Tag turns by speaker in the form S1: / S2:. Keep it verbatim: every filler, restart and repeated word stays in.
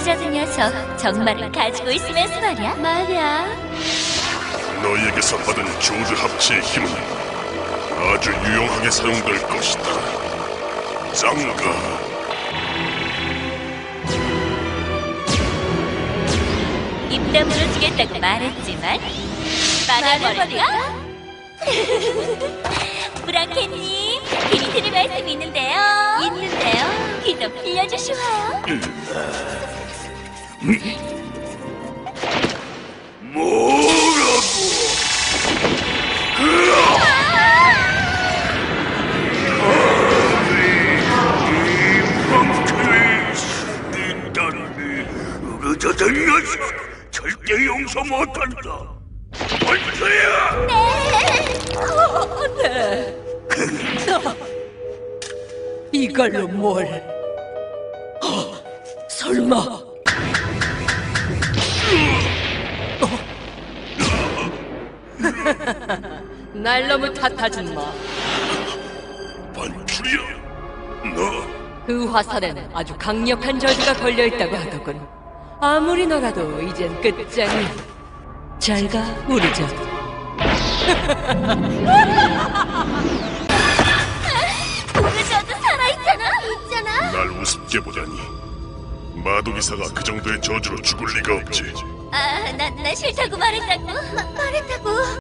S1: 유래자는 녀석 정말을 가지고 있으면서 말이야. 말이야.
S2: 너희에게서 받은 조드 합치의 힘은 아주 유용하게 사용될 것이다. 짱가.
S1: 입 다물어 주겠다고 말했지만 말아버릴까? 브랑켓님, 드릴 말씀 있는데요. 있는데요. 귀 좀 빌려주시와요.
S2: 뭐라고? 의자된 녀석 절대 용서 못한다. 원수야!
S3: 네. 이걸로 뭘? 어, 설마? 어? 날 너무 탓하지 마.
S2: 반출이야? 너
S3: 그 화살에는 아주 강력한 저주가 걸려있다고 하더군. 아무리 너라도 이젠 끝장이야. 잘 가, 우리 전.
S1: 오르저도 살아있잖아. 있잖아.
S2: 날 우습게 보다니. 마도기사가 그 정도의 저주로 죽을 리가 없지.
S1: 아, 나, 나 싫다고 말했다고. 마, 말했다고.